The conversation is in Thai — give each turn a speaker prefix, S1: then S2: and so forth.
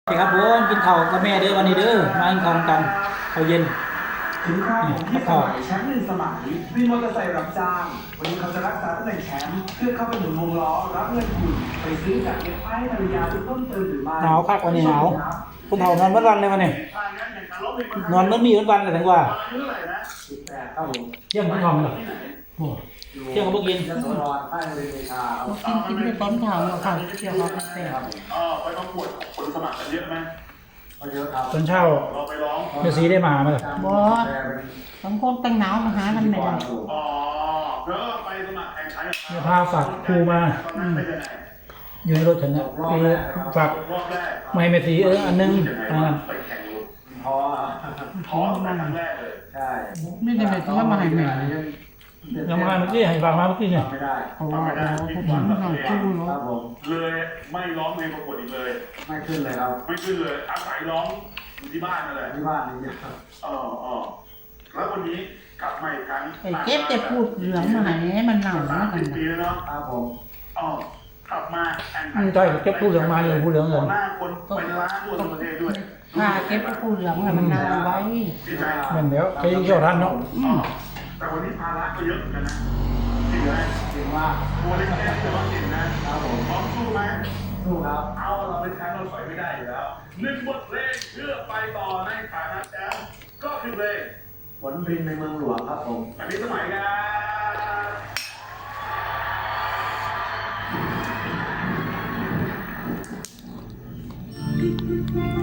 S1: สวัสดีครับผมกินข้าวกับแม่เด้อวันนี้เด้อมากินข้าวกันข้าวเย็น
S2: ถึงคราวผมที่สมัยแชมป์หนึ่งสมัยวินมอเตอร์ไซค์รับจ้างวันนี้เขาจะรักษาตำแหน่งแชมป์เพื่อเข้าไปหมุนวงล้อรับเงินทุนไปซื้อจากเก็บไอ้ภรรยาที่ต้นเติมหรือไม่
S1: หนาวคักวันนี้หนาวผมเผานอนเมื่อวันเลยวันนี้นอนเมื่อมีเมื่อวันเลยถึงว่า
S2: 18ครับผม
S1: เที่ยงไม่ทำหรอกโอ้เที่ยงก็บ่กิน
S2: ยโสธรใต้บริเวณชาครับ
S3: กินได้ต้นทางแล้วค่ะเกี่ยวกับเตะ
S4: ไปประกวดคนสมัครกันเยอะไหม
S2: ก็เยอะครับ
S1: ตอนเช้า
S4: เราไปร้อง
S1: เดี๋ยวซีได้มาไหมล่ะ
S3: บอสบางคนแต่งหนาวมาหากันไม่ได้
S4: อ๋อเธอไปสมัครแข่งขัน
S1: เดี๋ยวพาฝากครูมา
S4: ตอนนั้นไปยังไง
S1: อยู่ในรถฉันนะคือฝาก
S4: รอบแรก
S1: ไม่ให้เมสีอันนึง
S4: ไปแข่งรถ
S2: ท้อ
S4: ท้อตั้งแต่ครั้งแรกเลย
S2: ใช่
S3: ไม่ได้ไปเที่ยวมาให้แม่
S1: ยังมาเมื่อกี้ให้ฝากมาเมื่อกี้เนี่ย
S2: ไม่ได้
S3: เพราะว่าเราผู้หญิงหน่อยคู่
S2: ค
S3: เนาะ
S2: รับผม
S4: เลยไม่ร้องเพลงประกวดอีกเลย
S2: ไม่ขึ้นเลยครับ
S4: ไม่ขึ้นเลยอาศัยร้องอยู่ที่บ้านนั่นแหละ
S2: ที่บ้านนี่ครับ
S4: แล้ววันนี้กลับมาอีกครั้ง
S3: ไอ้เจ็บจะพูดเหลืองมาให้มันหนาวนะกัน
S4: 30 ปีแล้วเนาะ
S2: ครับผม
S4: กลับมาแข่งขั
S1: ใช่เก็บผู้เหลืองมาอยู่ผู้เหลืองเงิน
S4: หน้าคนเป็นล้านทั่วประเทศด้วย
S3: ถ้าเก็บพูดเหลืองมันหนาวไว้
S4: ดีใจ
S1: เหมือนเดี๋ยวใช้เชี่ยวทันเนาะ
S4: แต่วันนี้ภาระก็เยอะเหมือนกันนะจริงไหม
S2: จริงว่า
S4: ตัวเล็กๆแต่ว่าเก่งนะครับ
S2: ผม
S4: พร้อมสู้ไหม
S2: สู้ครับ
S4: เอาเราเป็นแชมป์เราถอยไม่ได้อยู่แล้วหนึ่งบทเพลงเพื่อไปต่อในฐานะแชมป์ก็คือเพลง
S2: ผลพินในเมืองหลวงครับผม
S4: อันนี้สมัยกัน